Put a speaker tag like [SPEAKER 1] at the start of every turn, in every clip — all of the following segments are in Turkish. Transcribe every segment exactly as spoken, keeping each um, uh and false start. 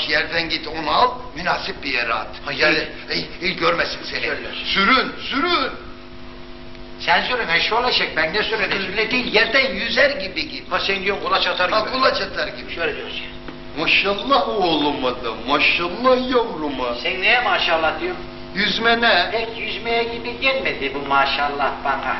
[SPEAKER 1] boş yerden git onu al, münasip bir yere at. Yani il, il görmesin seni.
[SPEAKER 2] Şöyle.
[SPEAKER 1] Sürün, sürün.
[SPEAKER 2] Sen sürün eşşoğlu eşek, ben ne sürün? Öyle değil, yerden yüzer gibi git. Ha sen diyorsun kulaç atar gibi.
[SPEAKER 1] Ha kulaç atar gibi.
[SPEAKER 2] Şöyle diyorsun.
[SPEAKER 1] Maşallah oğluma da, maşallah yavruma.
[SPEAKER 2] Sen neye maşallah diyorsun?
[SPEAKER 1] Yüzme ne?
[SPEAKER 2] Pek yüzmeye gibi gelmedi bu maşallah bana.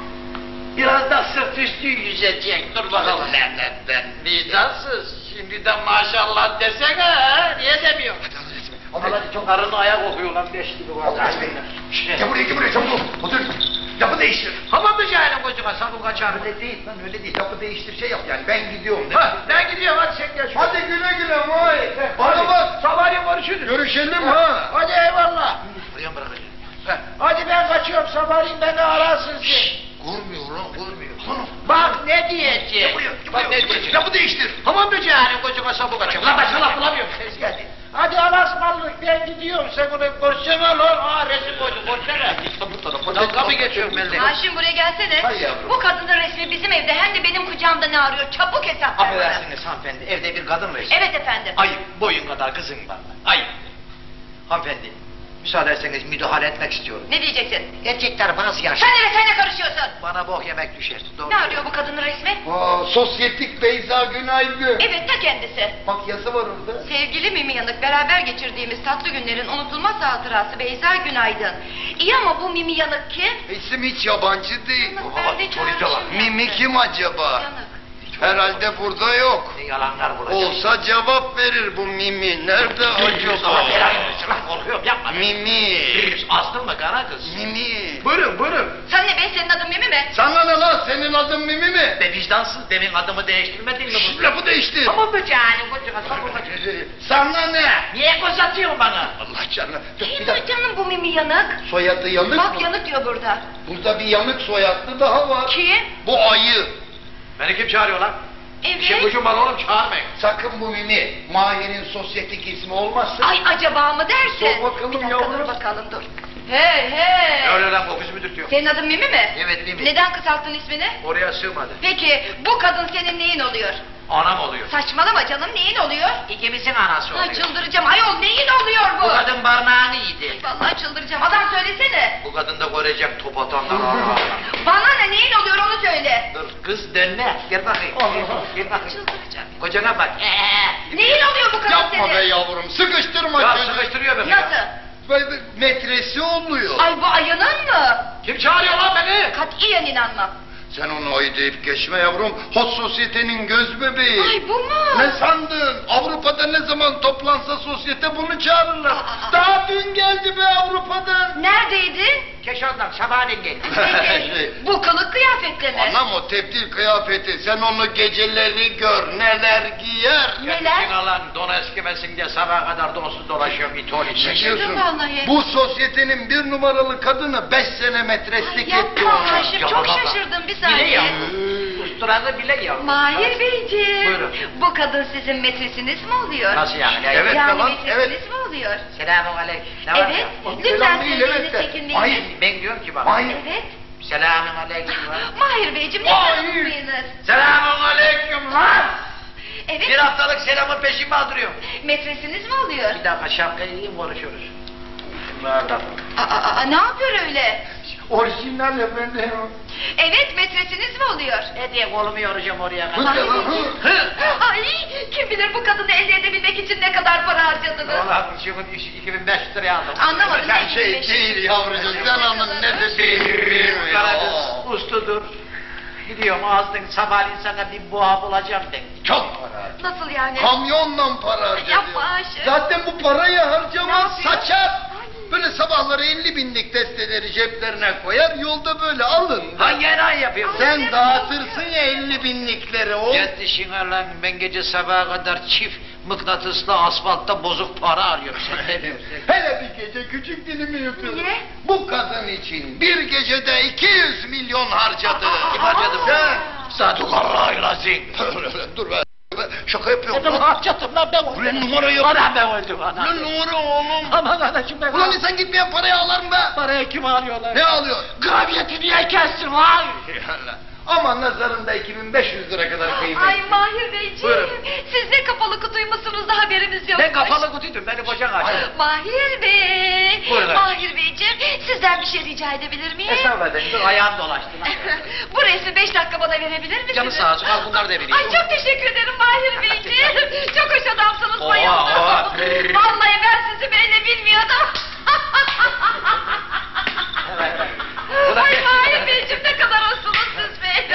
[SPEAKER 2] Biraz da sırt üstü yüzecek, dur bakalım nereden ben. Vicdansız, şimdiden maşallah desene, niye demiyorsun?
[SPEAKER 1] Hadi hadi resmi.
[SPEAKER 2] Hadi hadi çok karnı ayak okuyor lan beş gibi var.
[SPEAKER 1] Allah aşkına. Gel buraya, gel buraya çabuk ol. Otur. Yapı değiştir.
[SPEAKER 2] Hamam böceğinin kocama sabun kaçar.
[SPEAKER 1] Öyle değil lan, öyle değil. Yapı değiştir, şey yap yani. Ben gidiyorum. Değil
[SPEAKER 2] Ha,
[SPEAKER 1] mi?
[SPEAKER 2] ben gidiyorum hadi sen gel şuraya.
[SPEAKER 1] Hadi güle güle vay. Bana bak.
[SPEAKER 2] Sabahleyin görüşürüz.
[SPEAKER 1] Görüşelim ha.
[SPEAKER 2] Hadi eyvallah.
[SPEAKER 1] Buraya mı bırakacağım?
[SPEAKER 2] Hadi ben kaçıyorum sabahleyin beni ararsın sen.
[SPEAKER 1] Kurmuyor lan, kurmuyor.
[SPEAKER 2] Bak ne diyecek.
[SPEAKER 1] Gel buraya, gel
[SPEAKER 2] Bak
[SPEAKER 1] buraya.
[SPEAKER 2] ne diyecek.
[SPEAKER 1] Yapı değiştir.
[SPEAKER 2] Hamam böceğinin kocama sabun kaçar. Lan başka laf bulamıyorum. Ses geldi. Hadi alasmallık ben gidiyorum sen onu koşsana lan. Aa resim koydu koşsana.
[SPEAKER 1] Bu tarafa.
[SPEAKER 2] Dalga mı geçiyorum ben de?
[SPEAKER 3] Haşim buraya gelsene.
[SPEAKER 1] Hay yavrum.
[SPEAKER 3] Bu kadının resmi bizim evde hem de benim kucağımda ne arıyor? Çabuk hesap ver bana.
[SPEAKER 2] Affedersiniz hanımefendi evde bir kadın resmi.
[SPEAKER 3] Evet efendim.
[SPEAKER 2] Ayıp boyun kadar kızın var. Ayıp. Hanımefendi müsaade etseniz müdahale etmek istiyorum.
[SPEAKER 3] Ne diyeceksin?
[SPEAKER 2] Erkekler bazı yaşlı.
[SPEAKER 3] Sen de sen ne karışıyorsun?
[SPEAKER 2] Bana bok yemek düşer. Doğru.
[SPEAKER 3] Ne arıyor bu kadının resmi?
[SPEAKER 1] Aa, sosyetik Beyza Günaygün.
[SPEAKER 3] Evet ta kendisi.
[SPEAKER 1] Bak yazı var orada.
[SPEAKER 3] Sevgili Mimi Yanık, beraber geçirdiğimiz tatlı günlerin unutulmaz hatırası Beyza Günaydın. İyi ama bu Mimi Yanık kim?
[SPEAKER 1] İsim hiç yabancı değil.
[SPEAKER 3] Yanık ben de çağırmışım.
[SPEAKER 1] Mimi kim acaba?
[SPEAKER 3] Yanık.
[SPEAKER 1] Herhalde burada yok.
[SPEAKER 2] Ne yalanlar bulacak.
[SPEAKER 1] Olsa cevap verir bu Mimi. Nerede acaba?
[SPEAKER 2] Korkuyorum yapma.
[SPEAKER 1] Mimi.
[SPEAKER 2] Astın mı kara kız?
[SPEAKER 1] Mimi.
[SPEAKER 2] Buyurun buyurun.
[SPEAKER 3] Sen ne be, senin adın Mimi mi?
[SPEAKER 1] Sana ne lan, senin adın Mimi mi?
[SPEAKER 2] Be vicdansız demin adımı değiştirmedin mi
[SPEAKER 1] Şşş,
[SPEAKER 2] bu?
[SPEAKER 1] lafı değiştir.
[SPEAKER 2] Ama böceğinin kocama sabun kaçır.
[SPEAKER 1] Sana ne?
[SPEAKER 2] Niye koz atıyorsun bana?
[SPEAKER 1] Allah canına. Dur, bir
[SPEAKER 3] Kim
[SPEAKER 1] dakika.
[SPEAKER 3] bu canım bu Mimi Yanık?
[SPEAKER 1] Soyadı yanık
[SPEAKER 3] Bak
[SPEAKER 1] mı?
[SPEAKER 3] Yanık diyor burada.
[SPEAKER 1] Burada bir yanık soyadlı daha var.
[SPEAKER 3] Kim?
[SPEAKER 1] Bu ayı.
[SPEAKER 2] Beni kim çağırıyor lan?
[SPEAKER 3] Evet.
[SPEAKER 2] İşim gücüm var oğlum çağırmayın.
[SPEAKER 1] Sakın bu Mimi Mahir'in sosyetik ismi olmasın.
[SPEAKER 3] Ay acaba mı dersin?
[SPEAKER 1] Sor bakalım
[SPEAKER 3] Bir dakika
[SPEAKER 1] yavrum.
[SPEAKER 3] dur bakalım dur. Hey hey.
[SPEAKER 2] Öyle lan kokusu müdür diyor.
[SPEAKER 3] Senin adın Mimi mi?
[SPEAKER 2] Evet Mimi.
[SPEAKER 3] Neden kısalttın ismini?
[SPEAKER 2] Oraya sığmadı.
[SPEAKER 3] Peki bu kadın senin neyin oluyor?
[SPEAKER 2] Anam oluyor.
[SPEAKER 3] Saçmalama canım, neyin oluyor?
[SPEAKER 2] İkimizin anası
[SPEAKER 3] Ay
[SPEAKER 2] oluyor.
[SPEAKER 3] çıldıracağım ayol, neyin oluyor bu?
[SPEAKER 2] Bu kadın barnağını yedi.
[SPEAKER 3] Vallahi çıldıracağım, adam söylesene.
[SPEAKER 2] Bu kadın da görecek top atanlar.
[SPEAKER 3] Bana ne, neyin oluyor onu söyle.
[SPEAKER 2] Dur kız dönme. Gel bakayım. Gel bakayım.
[SPEAKER 3] Çıldıracağım.
[SPEAKER 2] Kocana bak. Ee.
[SPEAKER 3] Neyin oluyor bu kadın
[SPEAKER 1] Yapma
[SPEAKER 3] senin?
[SPEAKER 1] be yavrum, sıkıştırma
[SPEAKER 2] Ya
[SPEAKER 1] çocuğu.
[SPEAKER 2] sıkıştırıyor beni.
[SPEAKER 3] Nasıl?
[SPEAKER 2] Ya.
[SPEAKER 1] Böyle metresi oluyor.
[SPEAKER 3] Ay bu ayının mı?
[SPEAKER 2] Kim çağırıyor lan beni?
[SPEAKER 3] Katiyen inanmam.
[SPEAKER 1] Sen onu ayı deyip geçme yavrum. Hot sosyetenin göz bebeği.
[SPEAKER 3] Ay bu mu?
[SPEAKER 1] Ne sandın? Avrupa'da ne zaman toplansa sosyete bunu çağırırlar.
[SPEAKER 3] Aa.
[SPEAKER 1] Daha dün geldi be Avrupa'dan.
[SPEAKER 3] Neredeydin?
[SPEAKER 2] Keşan'dan sabahleyin geldi.
[SPEAKER 3] Peki, bu kılık kıyafetle mi?
[SPEAKER 1] Anam o tebdil kıyafeti. Sen onu geceleri gör. Neler giyer.
[SPEAKER 3] Neler?
[SPEAKER 2] Kendisini alan don eskimesin diye sabaha kadar donsuz dolaşıyor bir ton
[SPEAKER 1] Ne
[SPEAKER 2] içinde.
[SPEAKER 1] diyorsun?
[SPEAKER 3] vallahi.
[SPEAKER 1] Bu sosyetenin bir numaralı kadını beş sene metreslik
[SPEAKER 3] Ay,
[SPEAKER 1] etti
[SPEAKER 3] yapma
[SPEAKER 1] ona.
[SPEAKER 3] Haşim, çok
[SPEAKER 2] Yapma.
[SPEAKER 3] şaşırdım bir
[SPEAKER 2] Bile ya.
[SPEAKER 3] saniye.
[SPEAKER 2] Usturanı bile ya.
[SPEAKER 3] Mahir Beyciğim.
[SPEAKER 2] Buyurun.
[SPEAKER 3] Bu kadın sizin metresiniz mi oluyor?
[SPEAKER 2] Nasıl yani?
[SPEAKER 1] Evet,
[SPEAKER 3] yani
[SPEAKER 1] tamam,
[SPEAKER 3] metresiniz
[SPEAKER 1] evet.
[SPEAKER 3] mi oluyor?
[SPEAKER 2] Selamun aleyküm. Ne var
[SPEAKER 3] Evet.
[SPEAKER 2] ya?
[SPEAKER 3] Lütfen
[SPEAKER 1] Selam değil,
[SPEAKER 3] sözünüzü
[SPEAKER 1] evet de.
[SPEAKER 3] çekinmeyin.
[SPEAKER 1] Hayır.
[SPEAKER 2] Ben diyorum ki bak.
[SPEAKER 1] Hayır.
[SPEAKER 3] Evet.
[SPEAKER 2] Selamun aleyküm.
[SPEAKER 3] Mahir Beyciğim
[SPEAKER 1] Hayır.
[SPEAKER 3] lütfen unutmayınız.
[SPEAKER 2] Selamun aleyküm lan.
[SPEAKER 3] Evet.
[SPEAKER 2] Bir haftalık selamın peşimi aldırıyorum.
[SPEAKER 3] Metresiniz mi oluyor?
[SPEAKER 2] Bir dakika şapkayı yiyeyim konuşuyoruz. Nereden?
[SPEAKER 3] Aa, aa, aa, ne yapıyor öyle?
[SPEAKER 1] Orijinal efendim.
[SPEAKER 3] Evet, metresiniz mi oluyor?
[SPEAKER 2] Ne diye kolumu yoracağım oraya
[SPEAKER 1] Hı
[SPEAKER 2] kadar.
[SPEAKER 1] de lan, hı.
[SPEAKER 2] Hı.
[SPEAKER 3] Ay, kim bilir bu kadını elde edebilmek için ne kadar para harcadınız?
[SPEAKER 2] Ulan şunu iki bin beş yüz liraya aldım.
[SPEAKER 3] Anlamadım.
[SPEAKER 1] Sen şey değil yavrucuğum. Sen onun ne dediğini
[SPEAKER 2] Kara
[SPEAKER 1] bilmiyor.
[SPEAKER 2] kız usludur. Gidiyorum ağzının sabahleyin sana bir boğa bulacağım de.
[SPEAKER 1] Çok para.
[SPEAKER 3] Nasıl yani?
[SPEAKER 1] Kamyonla para harcadı.
[SPEAKER 3] Yapma Ayşe.
[SPEAKER 1] Zaten bu parayı harcamaz,
[SPEAKER 3] Ne yapıyor?
[SPEAKER 1] saçar. Böyle sabahları elli binlik testeleri ceplerine koyar, yolda böyle alın.
[SPEAKER 2] Hangi enayi yapıyorsun?
[SPEAKER 1] Sen dağıtırsın ya elli binlikleri o.
[SPEAKER 2] Git işine lan, ben gece sabaha kadar çift mıknatıslı asfaltta bozuk para arıyorum.
[SPEAKER 1] Hele bir gece küçük dilimi yapıyorum.
[SPEAKER 3] Niye?
[SPEAKER 1] Bu kadın için bir gecede iki yüz milyon harcadı.
[SPEAKER 2] Kim harcadı bu?
[SPEAKER 1] Sen.
[SPEAKER 2] Sadukallahi lazim.
[SPEAKER 1] Dur be. Şaka yapıyorum.
[SPEAKER 2] Dedim
[SPEAKER 1] lan.
[SPEAKER 2] harcadım lan ben.
[SPEAKER 1] Ulan numara yok.
[SPEAKER 2] Ana ben öldüm ana.
[SPEAKER 1] Ulan numara oğlum.
[SPEAKER 2] Aman anacım ben.
[SPEAKER 1] Ulan insan gitmeyen parayı alır mı be?
[SPEAKER 2] Parayı kim alıyorlar?
[SPEAKER 1] Ne alıyor?
[SPEAKER 2] Graviyeti niye kestin lan?
[SPEAKER 1] Ama nazarında iki bin beş yüz lira kadar kıymetli.
[SPEAKER 3] Ay Mahir Beyciğim,
[SPEAKER 2] Buyurun.
[SPEAKER 3] siz ne kapalı kutuymuşsunuz da haberimiz yok.
[SPEAKER 2] Ben kapalı konuşacaksın açık.
[SPEAKER 3] Mahir Bey.
[SPEAKER 2] Buyurun.
[SPEAKER 3] Mahir Beyciğim, sizden bir şey rica edebilir miyim?
[SPEAKER 2] Hesap edin. Dur ayağım dolaştı.
[SPEAKER 3] Bu resmi beş dakika bana verebilir misiniz?
[SPEAKER 2] Canı sağ olsun, al bunları da vereyim.
[SPEAKER 3] Ay çok teşekkür ederim Mahir Beyciğim. Çok hoş adamsınız,
[SPEAKER 2] Oha,
[SPEAKER 3] bayıldım.
[SPEAKER 2] oha.
[SPEAKER 3] Vallahi ben sizi böyle bilmiyordum.
[SPEAKER 2] Evet.
[SPEAKER 3] Ay Mahir Beyciğim, ne kadar hoşsunuz siz be.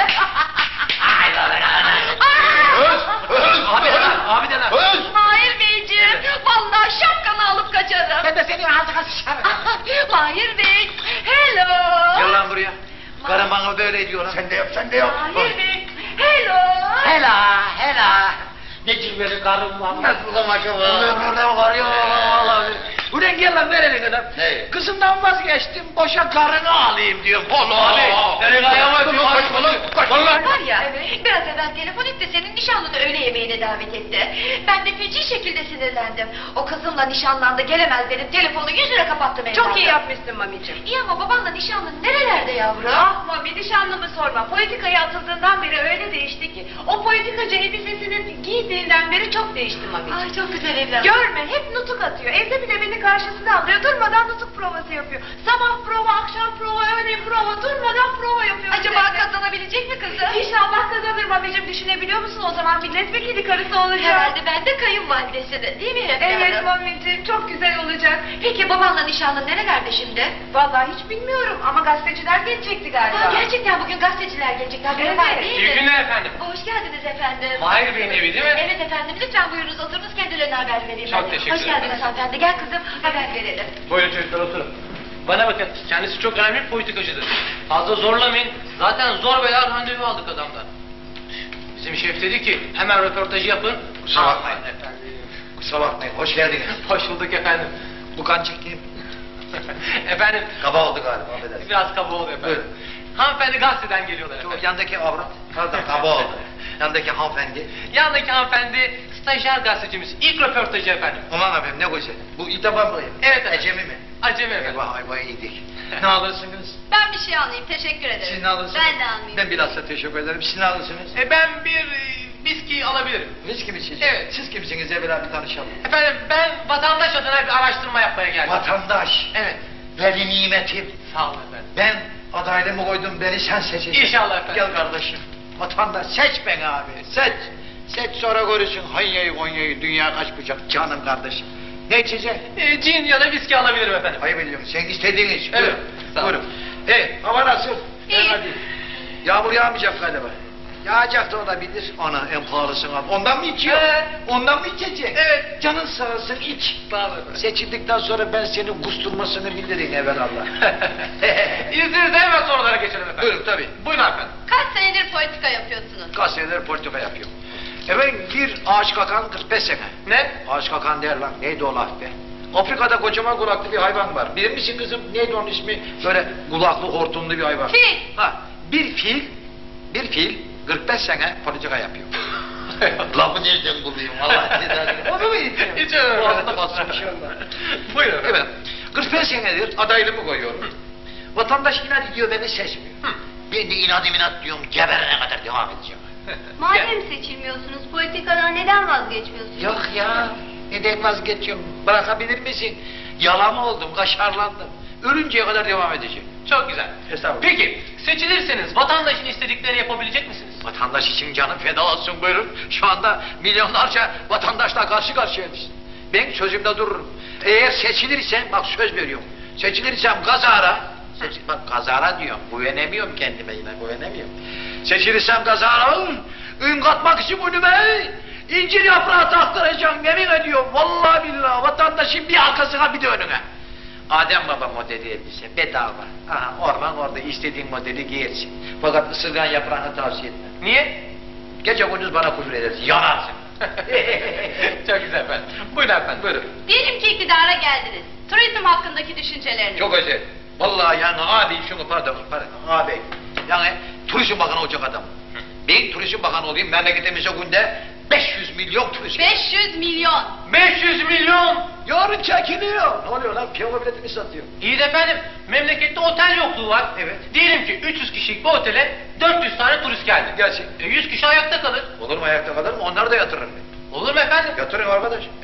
[SPEAKER 2] Ay lan lan.
[SPEAKER 1] Öz, öz,
[SPEAKER 2] Abi de lan, abi de lan.
[SPEAKER 1] öz.
[SPEAKER 3] Mahir Beyciğim, vallahi şapkanı alıp kaçarım.
[SPEAKER 2] Ben de seni ağzına sıçarım.
[SPEAKER 3] Mahir Bey, hello.
[SPEAKER 2] Gel lan buraya. Karım bana böyle ediyor lan.
[SPEAKER 1] Sen de yap, sen de yap.
[SPEAKER 3] Mahir Bey, hello.
[SPEAKER 2] Hela, hela. Ne cilveli karım var.
[SPEAKER 1] Nasıl da maşallah.
[SPEAKER 2] Ulan orada var ya vallahi. Ulan gel lan ver elini adam.
[SPEAKER 1] Ne?
[SPEAKER 2] Kızımdan vazgeçtim, boşa karını alayım diyor. Polo abi.
[SPEAKER 1] Aa,
[SPEAKER 2] Nereye ayağıma
[SPEAKER 1] dur,
[SPEAKER 2] öpüyor.
[SPEAKER 1] kaçma lan, kaçma lan.
[SPEAKER 3] Var ya, biraz evvel telefon etti, senin nişanlını öğle yemeğine davet etti. Ben de feci şekilde sinirlendim. O kızımla nişanlandı, gelemez dedim, telefonu yüzüne kapattım evladım.
[SPEAKER 4] Çok iyi yapmışsın mamicim.
[SPEAKER 3] İyi ama babanla nişanlın nerelerde yavrum?
[SPEAKER 4] Ah mami, nişanlımı sorma. Politikaya atıldığından beri öyle değişti ki. O politikacı elbisesini giydiğinden beri çok değişti mamicim.
[SPEAKER 3] Ay çok güzel evladım.
[SPEAKER 4] Görme, hep nutuk atıyor. Evde bile beni karşısına alıyor. Durmadan nutuk provası yapıyor. Sabah prova, akşam prova, öğle prova. Durmadan prova yapıyor.
[SPEAKER 3] Acaba
[SPEAKER 4] sürekli.
[SPEAKER 3] kazanabilecek mi kızım?
[SPEAKER 4] İnşallah kazanır mamicim. Düşünebiliyor musun, o zaman milletvekili karısı olacak.
[SPEAKER 3] Herhalde ben de kayınvalidesini, değil mi evladım?
[SPEAKER 4] Evet mamicim, çok güzel olacak.
[SPEAKER 3] Peki babanla nişanlın nerelerde şimdi?
[SPEAKER 4] Vallahi hiç bilmiyorum ama gazeteciler gelecekti galiba.
[SPEAKER 3] Aa, gerçekten bugün gazeteciler gelecek, haberin
[SPEAKER 4] Evet.
[SPEAKER 3] var değil mi?
[SPEAKER 5] İyi günler efendim.
[SPEAKER 3] Hoş geldiniz efendim.
[SPEAKER 5] Mahir Bey'in evi değil mi?
[SPEAKER 3] Evet efendim, lütfen buyurunuz oturunuz, kendilerine haber vereyim.
[SPEAKER 5] Çok
[SPEAKER 3] ben.
[SPEAKER 5] teşekkür
[SPEAKER 3] Hoş geldiniz
[SPEAKER 5] ederim.
[SPEAKER 3] hanımefendi, gel kızım haber verelim.
[SPEAKER 5] Buyurun çocuklar oturun. Bana bakın, kendisi çok önemli bir politikacıdır. Fazla zorlamayın. Zaten zor bela randevu aldık adamdan. Bizim şef dedi ki hemen röportajı yapın.
[SPEAKER 2] Kusura bakmayın.
[SPEAKER 5] Aman efendim.
[SPEAKER 2] Kusura bakmayın, hoş geldiniz.
[SPEAKER 5] Hoş bulduk efendim.
[SPEAKER 2] Bu kan çektiğim
[SPEAKER 5] Efendim,
[SPEAKER 2] kaba oldu galiba, affedersin.
[SPEAKER 5] biraz kaba oldu efendim.
[SPEAKER 2] Buyurun.
[SPEAKER 5] Hanımefendi gazeteden geliyorlar
[SPEAKER 2] Şu
[SPEAKER 5] efendim.
[SPEAKER 2] yandaki avrat, pardon kaba oldu. Yandaki hanımefendi.
[SPEAKER 5] Yandaki hanımefendi stajyer gazetecimiz. İlk röportajı efendim.
[SPEAKER 2] Aman efendim ne güzel. Bu ilk defa mı?
[SPEAKER 5] Evet efendim.
[SPEAKER 2] Ecemi mi?
[SPEAKER 5] Acemi efendim.
[SPEAKER 2] Eyvah eyvah iyiydik. Ne alırsınız?
[SPEAKER 3] Ben bir şey almayayım, teşekkür ederim.
[SPEAKER 2] Siz ne alırsınız?
[SPEAKER 3] Ben de almayayım.
[SPEAKER 2] Ben bilhassa teşekkür ederim. Siz ne alırsınız?
[SPEAKER 5] E, ben bir e, viski alabilirim.
[SPEAKER 2] Viski mi siz?
[SPEAKER 5] Evet.
[SPEAKER 2] Siz kimsiniz? Evvela bir tanışalım.
[SPEAKER 5] Efendim ben vatandaş adına bir araştırma yapmaya geldim.
[SPEAKER 2] Vatandaş.
[SPEAKER 5] Evet.
[SPEAKER 2] Veli nimetim.
[SPEAKER 5] Sağ olun efendim.
[SPEAKER 2] Ben adaylığımı koydum, beni sen seçeceksin.
[SPEAKER 5] İnşallah efendim.
[SPEAKER 2] Gel kardeşim. Vatandaş seç beni abi. Seç. Seç sonra görürsün Hanya'yı Konya'yı, dünya kaç bucak canım kardeşim. Ne içeceksin?
[SPEAKER 5] E, cin ya da viski alabilirim efendim.
[SPEAKER 2] Hayır biliyorum. Sen istediğin iç.
[SPEAKER 5] Evet,
[SPEAKER 2] Buyurun.
[SPEAKER 5] sağ ol.
[SPEAKER 2] Buyurun. Hey, hava nasıl?
[SPEAKER 3] İyi.
[SPEAKER 2] Hadi. Yağmur yağmayacak galiba. Yağacak da olabilir. Ana en pahalısını al. Ondan mı içiyor?
[SPEAKER 5] Evet.
[SPEAKER 2] Ondan mı içeceksin?
[SPEAKER 5] Evet.
[SPEAKER 2] Canın sağ olsun iç.
[SPEAKER 5] Sağ olun efendim.
[SPEAKER 2] Seçildikten sonra ben senin kusturmasını bilirim evvelallah.
[SPEAKER 5] İzninizle hemen sorulara geçelim efendim.
[SPEAKER 2] Buyurun tabii.
[SPEAKER 5] Buyurun efendim.
[SPEAKER 3] Kaç senedir politika yapıyorsunuz?
[SPEAKER 2] Kaç seneler politika yapıyorum. Efendim bir ağaç kakan kırk beş sene.
[SPEAKER 5] Ne?
[SPEAKER 2] Ağaç kakan der lan. Neydi o laf be? Afrika'da kocaman kulaklı bir hayvan var. Bilir misin kızım? Neydi onun ismi? Böyle kulaklı hortumlu bir hayvan.
[SPEAKER 3] Fil.
[SPEAKER 2] Ha, bir fil, bir fil kırk beş sene politika yapıyor. Lafı nereden bulayım? Vallahi size onu mu yiyeceğim?
[SPEAKER 5] Hiç öyle.
[SPEAKER 2] Boğazına basmış inşallah.
[SPEAKER 5] Buyurun efendim.
[SPEAKER 2] Evet, kırk beş senedir adaylığımı koyuyorum. Vatandaş inat ediyor, beni seçmiyor.
[SPEAKER 5] Hı.
[SPEAKER 2] Ben de inadım inat diyorum, geberene kadar devam edeceğim.
[SPEAKER 3] Madem seçilmiyorsunuz, politikadan neden vazgeçmiyorsunuz?
[SPEAKER 2] Yok ya, neden vazgeçiyorum? Bırakabilir misin? Yalama oldum, kaşarlandım. Ölünceye kadar devam edeceğim.
[SPEAKER 5] Çok güzel.
[SPEAKER 2] Estağfurullah.
[SPEAKER 5] Peki seçilirseniz vatandaşın istediklerini yapabilecek misiniz?
[SPEAKER 2] Vatandaş için canım feda olsun buyurun. Şu anda milyonlarca vatandaşla karşı karşıyayız. Ben sözümde dururum. Eğer seçilirsem, bak söz veriyorum. Seçilirsem kazara, seç, bak kazara diyorum, güvenemiyorum kendime yine, güvenemiyorum. Seçilirsem kazara, ün katmak için önüme incir yaprağı taktıracağım, yemin ediyorum. Vallahi billahi vatandaşın bir arkasına bir de önüne. Adem Baba modeli elbise, bedava. Aha, orman orada istediğin modeli giyersin. Fakat ısırgan yaprağını tavsiye etmem.
[SPEAKER 5] Niye?
[SPEAKER 2] Gece gündüz bana küfür edersin, yanarsın.
[SPEAKER 5] Çok güzel efendim. Buyurun efendim. Buyurun.
[SPEAKER 3] Diyelim ki iktidara geldiniz. Turizm hakkındaki düşünceleriniz.
[SPEAKER 2] Çok özel. Vallahi yani abi şunu pardon, pardon abi. Yani turizm bakanı olacak adam. Ben turizm bakanı olayım, memleketimize günde beş yüz milyon turist.
[SPEAKER 3] beş yüz milyon.
[SPEAKER 5] beş yüz milyon.
[SPEAKER 2] Yarın çekiliyor. Ne oluyor lan? Piyano biletini satıyor.
[SPEAKER 5] İyi de efendim, memlekette otel yokluğu var.
[SPEAKER 2] Evet.
[SPEAKER 5] Diyelim ki üç yüz kişilik bir otele dört yüz tane turist geldi.
[SPEAKER 2] Gelsin.
[SPEAKER 5] E, yüz kişi ayakta kalır.
[SPEAKER 2] Olur mu ayakta kalır mı? Onları da yatırırım ben.
[SPEAKER 5] Olur mu efendim?
[SPEAKER 2] Yatırın arkadaş.
[SPEAKER 5] E, bu,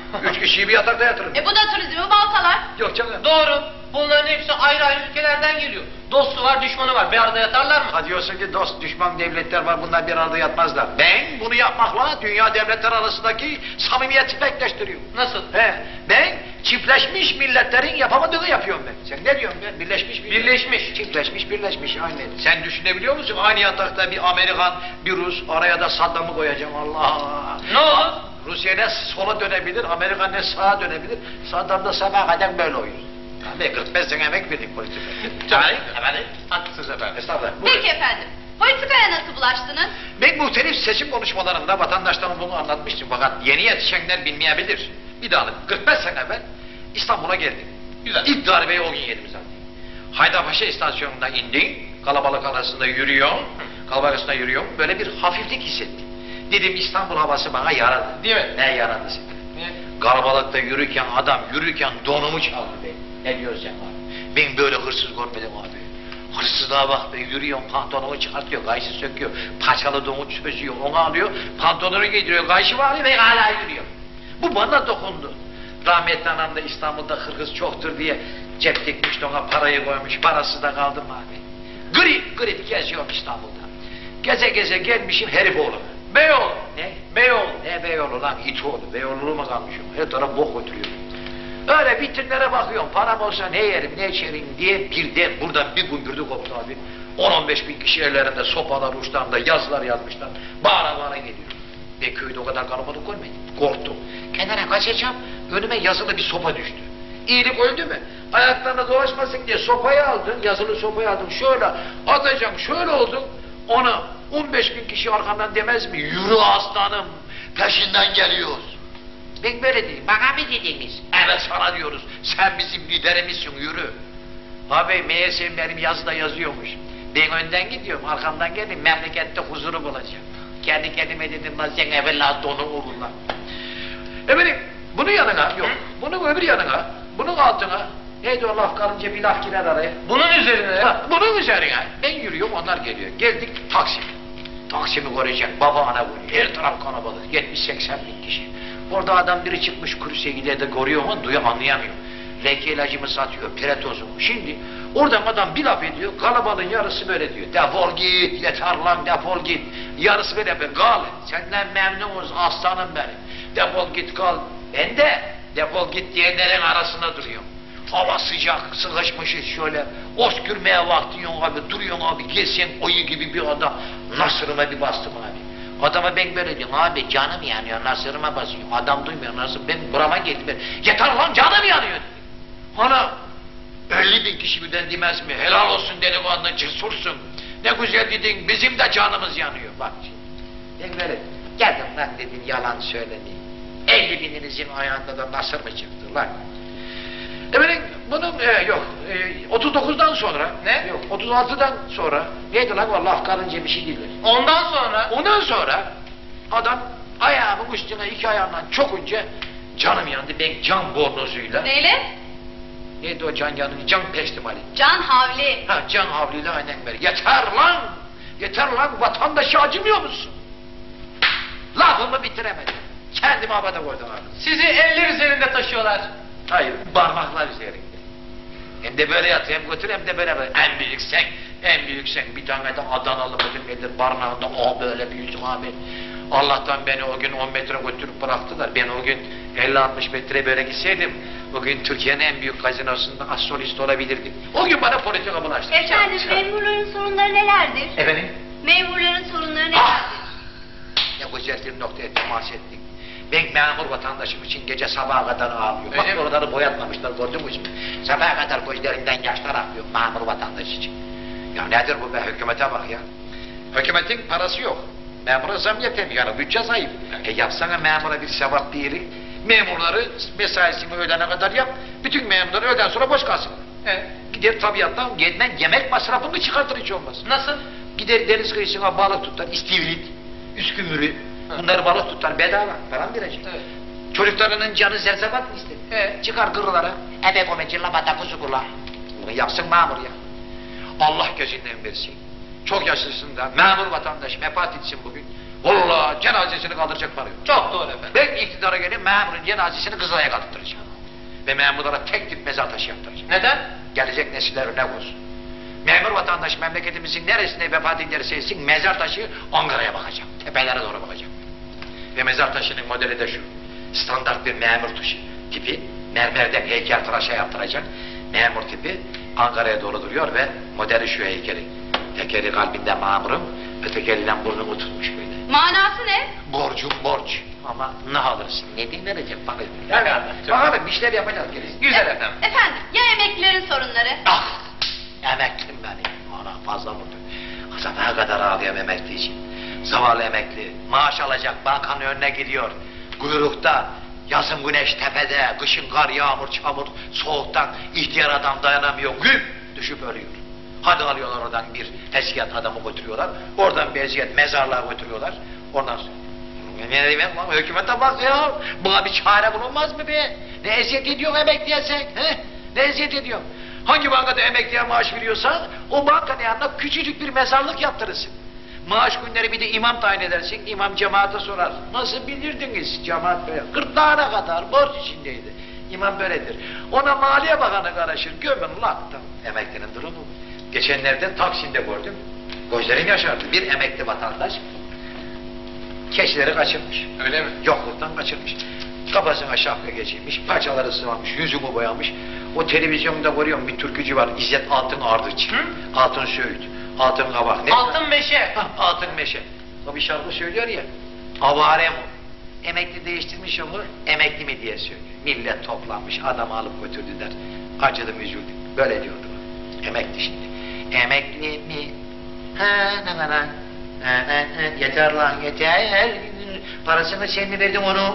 [SPEAKER 6] Üç kişiyi bir yatakta yatırın.
[SPEAKER 3] E bu da turizmi baltalar.
[SPEAKER 6] Yok canım.
[SPEAKER 5] Doğru. Bunların hepsi ayrı ayrı ülkelerden geliyor. Dostu var, düşmanı var. Bir arada yatarlar mı?
[SPEAKER 6] Ha diyorsun ki dost düşman devletler var, bunlar bir arada yatmazlar. Ben bunu yapmakla dünya devletler arasındaki samimiyeti çiftleştiriyorum.
[SPEAKER 5] Nasıl?
[SPEAKER 6] He, ben çiftleşmiş milletlerin yapamadığını yapıyorum ben. Sen ne diyorsun ben? Birleşmiş millet.
[SPEAKER 5] Birleşmiş.
[SPEAKER 6] Çiftleşmiş, birleşmiş aynen. Sen düşünebiliyor musun? Aynı yatakta bir Amerikan, bir Rus, araya da Saddam'ı koyacağım. Allah Allah.
[SPEAKER 5] Ne olur?
[SPEAKER 6] Rusya ne sola dönebilir, Amerika ne sağa dönebilir. Saddam da sabaha kadar böyle oynuyor. Abi kırk beş sene emek verdik politikaya.
[SPEAKER 5] Tabii, efendim. Haklısınız efendim.
[SPEAKER 6] Estağfurullah. Buyurun.
[SPEAKER 3] Peki efendim. Politikaya nasıl bulaştınız?
[SPEAKER 6] Ben muhtelif seçim konuşmalarında vatandaşlarıma bunu anlatmıştım fakat yeni yetişenler bilmeyebilir. Bir daha alayım. kırk beş sene evvel İstanbul'a geldim.
[SPEAKER 5] Güzel.
[SPEAKER 6] İlk darbeyi o gün yedim zaten. Haydarpaşa istasyonundan indim. Kalabalık arasında yürüyorum. Kalabalık arasında yürüyorum. Böyle bir hafiflik hissettim. Dedim İstanbul havası bana yaradı.
[SPEAKER 5] Değil mi?
[SPEAKER 6] Ne yaradı seni?
[SPEAKER 5] Niye?
[SPEAKER 6] Kalabalıkta yürürken adam yürürken donumu çaldı be. Ne diyorsun abi? Ben böyle hırsız görmedim abi. Hırsızlığa bak be, yürüyor, pantolonu çıkartıyor, gayısı söküyor, paçalı donu çözüyor, onu alıyor, pantolonu giydiriyor, gayışı var ve hala yürüyor. Bu bana dokundu. Rahmetli anam da İstanbul'da hırgız çoktur diye cep dikmiş, ona parayı koymuş, parası da kaldı mı abi? Grip grip geziyorum İstanbul'da. Geze geze gelmişim Herifoğlu'na.
[SPEAKER 5] Beyoğlu.
[SPEAKER 6] Ne?
[SPEAKER 5] Beyoğlu.
[SPEAKER 6] Ne Beyoğlu lan, İtoğlu, Beyoğlu'na mı kalmışım? Her taraf bok götürüyor. Öyle vitrinlere bakıyorum, param olsa ne yerim, ne içerim diye birden buradan bir gümbürdü koptu abi. on on beş bin kişi ellerinde sopalar uçlarında yazılar yazmışlar. Bağıra bağıra geliyor. Ben köyde o kadar kalabalık görmedim. Korktum. Kenara kaçacağım, önüme yazılı bir sopa düştü. İyilik öldü mü? Ayaklarına dolaşmasın diye sopayı aldım, yazılı sopayı aldım. Şöyle atacağım, şöyle oldum. Ona on beş bin kişi arkamdan demez mi? Yürü aslanım, peşinden geliyoruz. Ben böyle dedim. Bana mı dediniz? Evet sana diyoruz. Sen bizim liderimizsin, yürü. Abi meğerse benim yazıda yazıyormuş. Ben önden gidiyorum, arkamdan geldim. Memlekette huzuru bulacağım. Kendi kendime dedim lan sen evvela donu vurur lan. Efendim bunun yanına yok. Bunun öbür yanına, bunun altına. Neydi o laf kalınca bir laf girer araya.
[SPEAKER 5] Bunun üzerine.
[SPEAKER 6] Ha, bunun üzerine ben yürüyorum, onlar geliyor. Geldik Taksim. Taksim'i koruyacak baba ana bu. Her taraf kalabalık. yetmiş seksen bin kişi. Orada adam biri çıkmış kursiye gider de koruyor ama duyuyor, anlayamıyor. Leke ilacımı satıyor, piretozumu. Şimdi oradan adam bir laf ediyor, kalabalığın yarısı böyle diyor. Defol git, yeter lan defol git. Yarısı böyle ben kal. Senden memnunuz aslanım benim. Defol git kal. Ben de defol git diyenlerin arasında duruyorum. Hava sıcak, sıkışmışız şöyle. Oskürmeye vaktin yok abi, duruyorsun abi. Gelsen oyu gibi bir adam. Nasırıma bir bastım abi. Adama ben böyle diyorum, abi canım yanıyor, nasırıma basıyor. Adam duymuyor, nasıl ben burama geldi ben. Yeter lan canım yanıyor dedi. Ana elli bin kişi birden demez mi? Helal olsun delikanlı, cesursun. Ne güzel dedin, bizim de canımız yanıyor. Bak şimdi. Ben böyle geldim lan dedim, yalan söyledi. elli bininizin ayağında da nasır mı çıktı lan? Efendim bunun e, yok e, otuz dokuzdan sonra
[SPEAKER 5] Ne?
[SPEAKER 6] Yok otuz altıdan sonra neydi lan o laf karınca bir şey değil.
[SPEAKER 5] Ondan sonra.
[SPEAKER 6] Ondan sonra adam ayağımın üstüne iki ayağımdan çokunca canım yandı. Ben can bornozuyla
[SPEAKER 3] Neyle?
[SPEAKER 6] neydi o can yanı can pestimali.
[SPEAKER 3] Can havli.
[SPEAKER 6] Ha can havliyle aynen böyle. Yeter lan! Yeter lan! Vatandaşı acımıyor musun? Lafımı bitiremedim. Kendimi havada koydum abi.
[SPEAKER 5] Sizi eller üzerinde taşıyorlar.
[SPEAKER 6] Hayır, parmaklar üzerinde. Hem de böyle yat, hem götür hem de böyle böyle. En büyük sen, en büyük sen. Bir tane de Adanalı mıdır nedir, barınağında o böyle büyüsün abi. Allah'tan beni o gün on metre götürüp bıraktılar. Ben o gün elli altmış metre böyle gitseydim, bugün Türkiye'nin en büyük gazinosunda astrolist olabilirdim. O gün bana politika bulaştı.
[SPEAKER 4] Efendim memurların sorunları nelerdir?
[SPEAKER 6] Efendim?
[SPEAKER 4] Memurların sorunları
[SPEAKER 6] Ah!
[SPEAKER 4] nelerdir?
[SPEAKER 6] Ne güzel bir noktaya temas ettik. Ben memur vatandaşım için gece sabaha kadar ağlıyor. Bak
[SPEAKER 5] Öyle mi?
[SPEAKER 6] oraları boyatmamışlar, gördünüz mü? Sabaha kadar gözlerinden yaşlar akıyor memur vatandaş için. Ya nedir bu be, hükümete bak ya. Hükümetin parası yok. Memura zam yetemiyor, yani bütçe zayıf. E yapsana memura bir sevap bir yeri. Memurları mesaisini öğlene kadar yap. Bütün memurları öğleden sonra boş kalsın.
[SPEAKER 5] Evet.
[SPEAKER 6] Gider tabiattan gelmen yemek masrafını çıkartır hiç olmaz.
[SPEAKER 5] Nasıl?
[SPEAKER 6] Gider deniz kıyısına balık tutar, istivril, üskümürü. Bunları balık tutar bedava, param verecek.
[SPEAKER 5] Evet.
[SPEAKER 6] Çocuklarının canı zerzevat mı istedi?
[SPEAKER 5] Evet.
[SPEAKER 6] Çıkar kırılara. Ebe komeci labada kuzu kula. Bunu yapsın memur ya. Allah gözünden versin. Çok yaşlısın da memur vatandaş vefat etsin bugün. Vallahi cenazesini kaldıracak para yok.
[SPEAKER 5] Çok doğru efendim.
[SPEAKER 6] Ben iktidara gelip memurun cenazesini Kızılay'a kaldıracağım. Ve memurlara tek tip mezar taşı yaptıracağım.
[SPEAKER 5] Neden?
[SPEAKER 6] Gelecek nesiller örnek olsun. Memur vatandaş memleketimizin neresine vefat ederse etsin mezar taşı Ankara'ya bakacak. Tepelere doğru bakacak. Ve mezar taşının modeli de şu. Standart bir memur taşı tipi. Mermerden heykeltıraşa yaptıracak. Memur tipi Ankara'ya doğru duruyor ve modeli şu heykeli. Tekeri kalbinde memurun, öteki elinden burnumu tutmuş böyle.
[SPEAKER 4] Manası ne?
[SPEAKER 6] Borcum borç. Ama ne alırsın? Ne din verecek bana?
[SPEAKER 5] Bakalım.
[SPEAKER 6] Bakalım işler yapacağız gerisi.
[SPEAKER 5] Güzel efendim.
[SPEAKER 4] Efendim, ya emeklilerin sorunları?
[SPEAKER 6] Ah! Emeklim benim. Ana fazla vurdu. Sabaha kadar ağlıyorum emekli için. Zavallı emekli. Maaş alacak bankanın önüne gidiyor. Kuyrukta. Yazın güneş tepede. Kışın kar, yağmur, çamur. Soğuktan ihtiyar adam dayanamıyor. Güm! Düşüp ölüyor. Hadi alıyorlar oradan bir eziyet adamı götürüyorlar. Oradan bir eziyet mezarlığa götürüyorlar. Ondan sonra. Ne diyeyim lan? Hükümete bak ya. Buna bir çare bulunmaz mı be? Ne eziyet ediyorsun emekliye sen? He? Ne eziyet ediyorsun? Hangi bankada emekliye maaş veriyorsan o bankanın yanına küçücük bir mezarlık yaptırırsın. Maaş günleri bir de imam tayin edersin. İmam cemaate sorar. Nasıl bilirdiniz cemaat böyle? Gırtlağına kadar borç içindeydi. İmam böyledir. Ona Maliye Bakanı karışır. Gömün laktım. Emeklinin durumu bu. Geçenlerde Taksim'de gördüm. Gözlerim yaşardı. Bir emekli vatandaş keçileri kaçırmış.
[SPEAKER 5] Öyle mi?
[SPEAKER 6] Yokluktan kaçırmış. Kafasına şapka geçirmiş, paçaları sıvamış, yüzümü boyamış. O televizyonda görüyorum bir türkücü var, İzzet Altın Ardıç.
[SPEAKER 5] Hı?
[SPEAKER 6] Altın Söğüt, Altın Kabak. Ne?
[SPEAKER 5] Altın meşe.
[SPEAKER 6] Hah, Altın Meşe. O bir şarkı söylüyor ya, avare mi? Emekli değiştirmiş onu, emekli mi diye söylüyor. Millet toplanmış, adamı alıp götürdüler. Acıdım, üzüldüm. Böyle diyordu. Emekli şimdi. Emekli mi? Ha, na, na, na. Ha, ha, ha. Yeter lan yeter. Parasını sen mi verdin onu?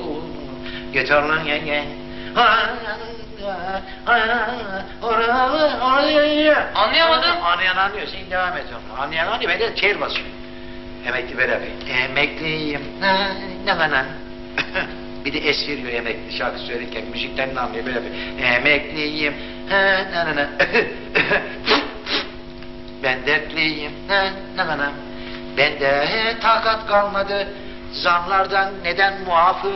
[SPEAKER 6] Yeter lan ye ye. Ha, ha, ha, oraya, oraya.
[SPEAKER 5] Anlayamadım.
[SPEAKER 6] Anlayan anlıyor. Sen devam et onu. Anlayan anlıyor. Ben de çeyir basıyorum. Emekli beraber. Emekliyim. Na, na, na, na. Bir de es veriyor emekli şarkı söylerken. Müzikten de anlıyor böyle bir. Emekliyim. Ha, na, na, na. Ben dertliyim. Na, na, na, na. Bende takat kalmadı. Zamlardan neden muafım?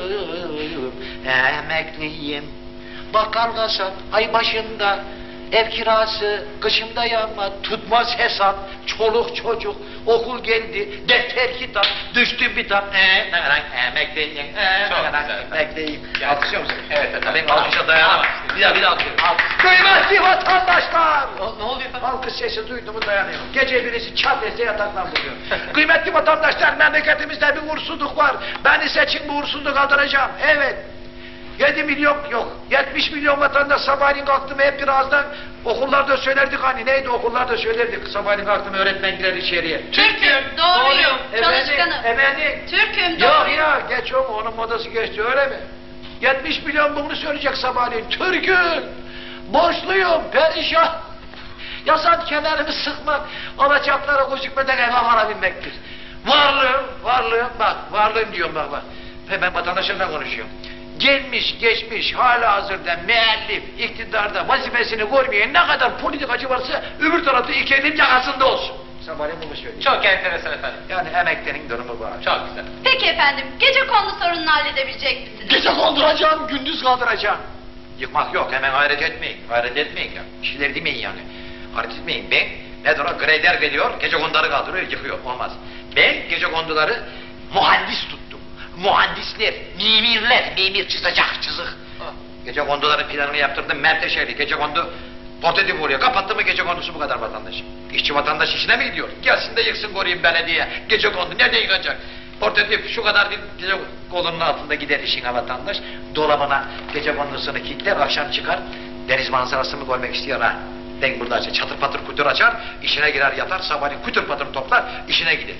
[SPEAKER 6] Emekliyim. Bakkal kasap ay başında. Ev kirası kışımda yanma, tutmaz hesap, çoluk çocuk, okul geldi, defter kitap, düştü bir tap. Eee, ne kadar emekliyim, eee,
[SPEAKER 5] Çok
[SPEAKER 6] ne kadar
[SPEAKER 5] güzel.
[SPEAKER 6] emekliyim.
[SPEAKER 5] Yani-
[SPEAKER 6] Alkışlıyor musun?
[SPEAKER 5] Evet efendim.
[SPEAKER 6] Ben alkışa dayanamam. Bir daha bir daha alkışlıyorum. Kıymetli vatandaşlar!
[SPEAKER 5] Ne oluyor efendim?
[SPEAKER 6] Alkış sesi duydu mu dayanıyor. Gece birisi çat etse yataktan buluyor. Kıymetli vatandaşlar, memleketimizde bir uğursuzluk var. Beni seçin, bu uğursuzluğu kaldıracağım. Evet. Yedi milyon yok. Yetmiş milyon vatandaş sabahleyin kalktım hep birazdan okullarda söylerdik hani neydi okullarda söylerdik sabahleyin kalktım öğretmen girer içeriye.
[SPEAKER 4] Türk'üm, doğruyum,
[SPEAKER 6] Efendim,
[SPEAKER 4] çalışkanım.
[SPEAKER 6] efendim.
[SPEAKER 4] Türk'üm,
[SPEAKER 6] Yok
[SPEAKER 4] doğruyum.
[SPEAKER 6] ya geç o onun modası geçti öyle mi? Yetmiş milyon bunu söyleyecek sabahleyin. Türk'üm, borçluyum, perişan. Yasan kenarımı sıkmak, alacaklara gözükmeden eve varabilmektir. Varlığım, varlığım bak, varlığım diyorum bak bak. Ve ben vatandaşımla konuşuyorum. Gelmiş geçmiş hala hazırda müellif iktidarda vazifesini görmeyen ne kadar politikacı varsa öbür tarafta iki elin yakasında olsun. Sabahleyin bunu söyleyeyim.
[SPEAKER 5] Çok enteresan efendim.
[SPEAKER 6] Yani emeklinin durumu bu.
[SPEAKER 5] Çok güzel.
[SPEAKER 4] Peki efendim, gece kondu sorununu halledebilecek misiniz?
[SPEAKER 6] Gece kaldıracağım, gündüz kaldıracağım. Yıkmak yok, hemen hayret etmeyin. Hayret etmeyin ya. Bir şeyler demeyin yani. Hayret etmeyin. Ben, ne doğru grader geliyor, gece konduları kaldırıyor, yıkıyor. Olmaz. Ben gece konduları muhandis tuttum. Mühendisler, mimirler, mimir çizecek, çizik. Gece konduların planını yaptırdım, Menteşe'li. Gece kondu portatif oluyor. Kapattı mı gece kondusu bu kadar vatandaş. İşçi vatandaş işine mi gidiyor? Gelsin de yıksın koruyayım belediye. Gece kondu nerede yıkacak? Portatif şu kadar bir gece kolunun altında gider işine vatandaş. Dolabına gece kondusunu kilitler, akşam çıkar. Deniz manzarasını görmek istiyor ha. Ben burada açar, çatır patır kutur açar, işine girer yatar, sabahleyin kutur patır toplar, işine gider.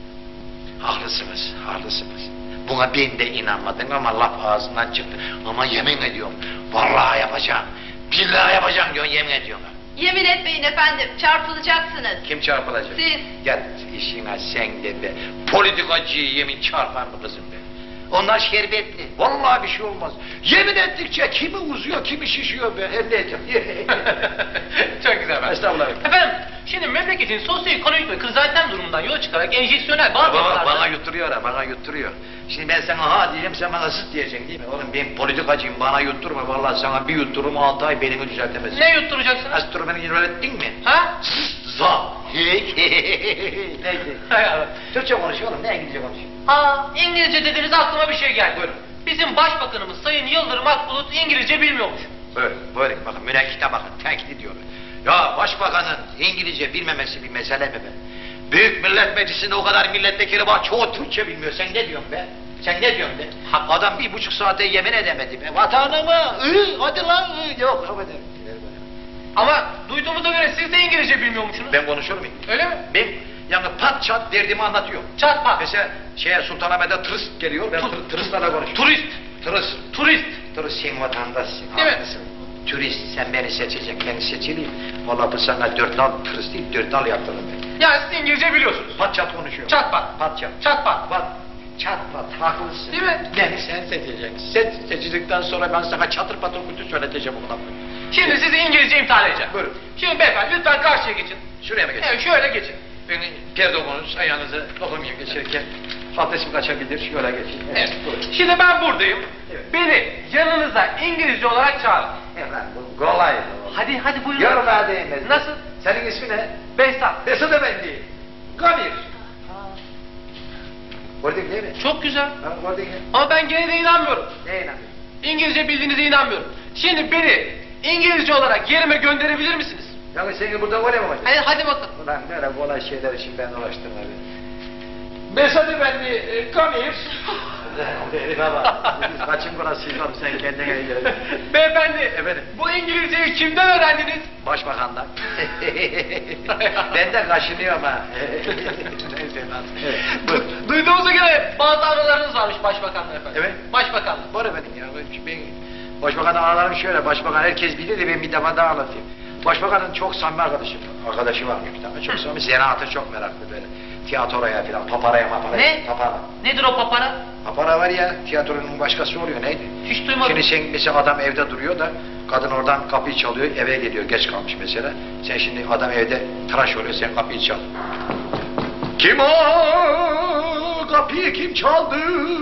[SPEAKER 6] Haklısınız, haklısınız. Buna ben de inanmadım ama laf ağzından çıktı. Ama yemin ediyorum, vallahi yapacağım. Billahi yapacağım diyorsun, yemin ediyorum.
[SPEAKER 4] Yemin etmeyin efendim, çarpılacaksınız.
[SPEAKER 6] Kim çarpılacak?
[SPEAKER 4] Siz.
[SPEAKER 6] Gel işine sen de be. Politikacıyı yemin çarpar mı kızım be? Onlar şerbetli. Vallahi bir şey olmaz. Yemin ettikçe kimi uzuyor, kimi şişiyor be. Elle edeceğim.
[SPEAKER 5] Çok güzel efendim.
[SPEAKER 6] Estağfurullah.
[SPEAKER 5] Efendim, şimdi memleketin sosyoekonomik ve krizantem durumundan yola çıkarak enjeksiyonel bazı
[SPEAKER 6] Baba,
[SPEAKER 5] yapılarda...
[SPEAKER 6] bana yutturuyor ha, bana yutturuyor. Şimdi ben sana ha diyeceğim, sen bana zıt diyeceksin değil mi? Oğlum ben politikacıyım, bana yutturma. Vallahi sana bir yuttururum, altı ay belini düzeltemezsin.
[SPEAKER 5] Ne yutturacaksınız?
[SPEAKER 6] Astronomini öğrettin mi?
[SPEAKER 5] Ha?
[SPEAKER 6] Za. Neydi?
[SPEAKER 5] Hay Allah.
[SPEAKER 6] Türkçe konuşuyor oğlum, ne İngilizce konuşuyor?
[SPEAKER 5] Aa, İngilizce dediniz aklıma bir şey geldi.
[SPEAKER 6] Buyurun.
[SPEAKER 5] Bizim başbakanımız Sayın Yıldırım Akbulut İngilizce bilmiyormuş.
[SPEAKER 6] Böyle, böyle bakın münekkite bakın, tenkit ediyorlar. Ya başbakanın İngilizce bilmemesi bir mesele mi be? Büyük Millet Meclisi'nde o kadar milletvekili var, çoğu Türkçe bilmiyor. Sen ne diyorsun be? Sen ne diyorsun be? Adam bir buçuk saate yemin edemedi be. Vatanıma, ı, hadi lan, ı. Yok, hadi.
[SPEAKER 5] Ama duyduğumuza göre siz de İngilizce bilmiyormuşsunuz.
[SPEAKER 6] Ben konuşurum mu?
[SPEAKER 5] Öyle mi?
[SPEAKER 6] Ben yani pat çat derdimi anlatıyorum.
[SPEAKER 5] Çat pat.
[SPEAKER 6] Mesela şeye Sultanahmet'e tırist geliyor, ben tır, tıristlerle konuşuyorum.
[SPEAKER 5] Turist.
[SPEAKER 6] Tırist.
[SPEAKER 5] Turist.
[SPEAKER 6] Turist sen vatandaşsın.
[SPEAKER 5] Değil mi?
[SPEAKER 6] haklısın. Turist sen beni seçeceksin, ben seçileyim. Vallahi bu sana dört nal turist değil, dört nal yaptırdım ben.
[SPEAKER 5] Yani siz İngilizce biliyorsunuz.
[SPEAKER 6] Pat çat konuşuyor.
[SPEAKER 5] Çat pat.
[SPEAKER 6] Pat çat.
[SPEAKER 5] Çat pat.
[SPEAKER 6] Pat. Çat pat, haklısın.
[SPEAKER 5] Değil mi?
[SPEAKER 6] Beni sen seçeceksin. Sen seçildikten sonra ben sana çatır patır kutu söyleteceğim o kadar.
[SPEAKER 5] Şimdi sizi İngilizce imtihan edeceğim.
[SPEAKER 6] Buyurun.
[SPEAKER 5] Şimdi beyefendi lütfen karşıya geçin.
[SPEAKER 6] Şuraya mı geçsin?
[SPEAKER 5] Evet şöyle geçin.
[SPEAKER 6] Beni gerdokunuz ayağınızı dokunmayayım geçerken. Abdestim kaçabilir, şöyle geçin.
[SPEAKER 5] Evet.
[SPEAKER 6] Buyurun.
[SPEAKER 5] Şimdi ben buradayım.
[SPEAKER 6] Evet.
[SPEAKER 5] Beni yanınıza İngilizce olarak çağırın.
[SPEAKER 6] Efendim bu kolay.
[SPEAKER 5] Hadi hadi buyurun.
[SPEAKER 6] Yorma değmez.
[SPEAKER 5] Nasıl?
[SPEAKER 6] Senin ismin ne?
[SPEAKER 5] Behzat.
[SPEAKER 6] Besat Efendi. Gamir. Gördün değil mi?
[SPEAKER 5] Çok güzel.
[SPEAKER 6] Ha, gördün ya.
[SPEAKER 5] Ama ben gene de inanmıyorum.
[SPEAKER 6] Ne inanıyorsun?
[SPEAKER 5] İngilizce bildiğinize inanmıyorum. Şimdi beni İngilizce olarak yerime gönderebilir misiniz?
[SPEAKER 6] Yani seni burada var ya mı?
[SPEAKER 5] Hadi, hadi bakın.
[SPEAKER 6] Ulan böyle kolay şeyler için ben uğraştım abi. Besat Efendi, e, Gamir. Baba, kaçın burasıyım oğlum sen kendine gel.
[SPEAKER 5] Beyefendi,
[SPEAKER 6] Efendim?
[SPEAKER 5] bu İngilizceyi kimden öğrendiniz?
[SPEAKER 6] Başbakandan. Ben de kaşınıyorum ha. Neyse lan. Evet. buyurun.
[SPEAKER 5] Du- Duyduğumuza göre bazı aralarınız varmış başbakanla efendim.
[SPEAKER 6] Evet.
[SPEAKER 5] Başbakanla.
[SPEAKER 6] Var efendim ya. Ben, ben Başbakan'ın aralarım şöyle. Başbakan herkes bilir de ben bir defa daha anlatayım. Başbakanın çok samimi arkadaşı, arkadaşı varmış bir tane. Çok samimi. Zanaata çok meraklı böyle. Tiyatroya falan, paparaya maparaya.
[SPEAKER 5] Ne?
[SPEAKER 6] Papara.
[SPEAKER 5] Nedir o papara?
[SPEAKER 6] Papara var ya, tiyatronun başkası oluyor neydi?
[SPEAKER 5] Hiç duymadım.
[SPEAKER 6] Şimdi sen mesela adam evde duruyor da kadın oradan kapıyı çalıyor, eve geliyor, geç kalmış mesela. Sen şimdi adam evde tıraş oluyor, sen kapıyı çal. Kim o? Kapıyı kim çaldı?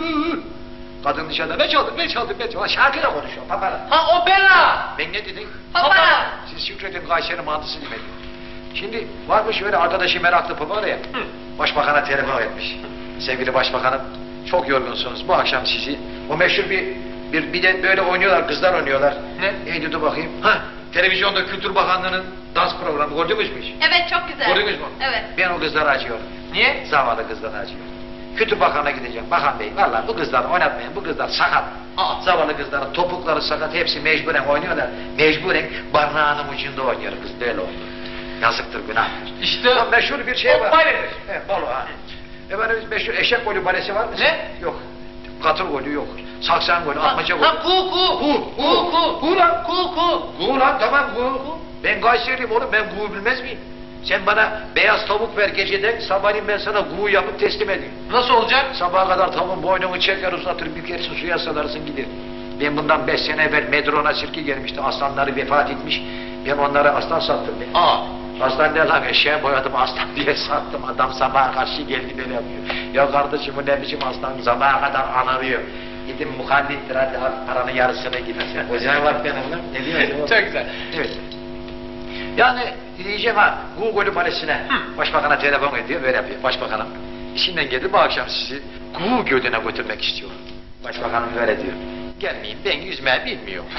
[SPEAKER 6] Kadın dışarıda ne çaldı, ne çaldı, ne çaldı? Şarkıyla konuşuyor, papara.
[SPEAKER 5] Ha opera.
[SPEAKER 6] Ben ne dedim?
[SPEAKER 3] Papara.
[SPEAKER 6] Siz Şükredin Kayseri mantısı demedi. Şimdi varmış öyle arkadaşı meraklı papara ya.
[SPEAKER 5] Hı.
[SPEAKER 6] Başbakan'a telefon etmiş. Sevgili başbakanım, çok yorgunsunuz. Bu akşam sizi, o meşhur bir, bir, bir de böyle oynuyorlar, kızlar oynuyorlar.
[SPEAKER 5] Ne?
[SPEAKER 6] Neydi dur bakayım. Ha, televizyonda Kültür Bakanlığı'nın dans programı gördünüz mü hiç?
[SPEAKER 3] Evet çok güzel.
[SPEAKER 6] Gördünüz mü?
[SPEAKER 3] Evet.
[SPEAKER 6] Ben o kızları acıyorum.
[SPEAKER 5] Niye?
[SPEAKER 6] Zavallı kızları acıyorum. Kültür Bakanı'na gideceğim. Bakan Bey, vallahi bu kızları oynatmayın. Bu kızlar sakat.
[SPEAKER 5] Aa.
[SPEAKER 6] Zavallı kızların topukları sakat. Hepsi mecburen oynuyorlar. Mecburen barnağının ucunda oynuyor kız. Böyle oldu. Yazıktır, günahtır.
[SPEAKER 5] İşte
[SPEAKER 6] Ya meşhur bir şey
[SPEAKER 5] o
[SPEAKER 6] var.
[SPEAKER 5] baledir.
[SPEAKER 6] Evet, balo ha. Efendim meşhur eşek golü balesi var mı?
[SPEAKER 5] Ne?
[SPEAKER 6] Yok. Katır golü yok. Saksan golü, atmaca golü.
[SPEAKER 5] Ha ku ku.
[SPEAKER 6] Ku, ku.
[SPEAKER 5] Ku ku.
[SPEAKER 6] Ku lan.
[SPEAKER 5] Ku ku.
[SPEAKER 6] Gu lan tamam gu. Ben Kayseriyim oğlum, ben gu bilmez miyim? Sen bana beyaz tavuk ver geceden, sabahleyin ben sana gu yapıp teslim edeyim.
[SPEAKER 5] Nasıl olacak?
[SPEAKER 6] Sabaha kadar tavuğun boynunu çeker uzatır, bükersin suya salarsın gider. Ben bundan beş sene evvel Medron'a sirki gelmişti, aslanları vefat etmiş. Ben onlara aslan sattım ben.
[SPEAKER 5] Aa.
[SPEAKER 6] Aslan ne lan eşeğe boyadım aslan diye sattım. Adam sabaha karşı geldi böyle yapıyor. Ya kardeşim bu ne biçim aslan sabaha kadar anarıyor. Gidin muhallindir hadi al paranın yarısını gidersin. Hocaya bak benim lan. Ne diyorsun?
[SPEAKER 5] Çok güzel.
[SPEAKER 6] Evet. Yani diyeceğim ha Google Balesi'ne
[SPEAKER 5] Hı.
[SPEAKER 6] başbakana telefon ediyor böyle yapıyor. Başbakanım işinden geldi bu akşam sizi Gu Gölü'ne götürmek istiyorum. Başbakanım böyle diyor. Gelmeyin ben yüzmeyi bilmiyorum.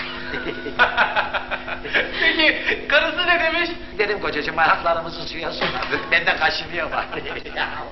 [SPEAKER 5] Peki karısı ne demiş?
[SPEAKER 6] Dedim kocacığım ayaklarımızı suya sokardık. Ben de kaşınıyor bak. Ya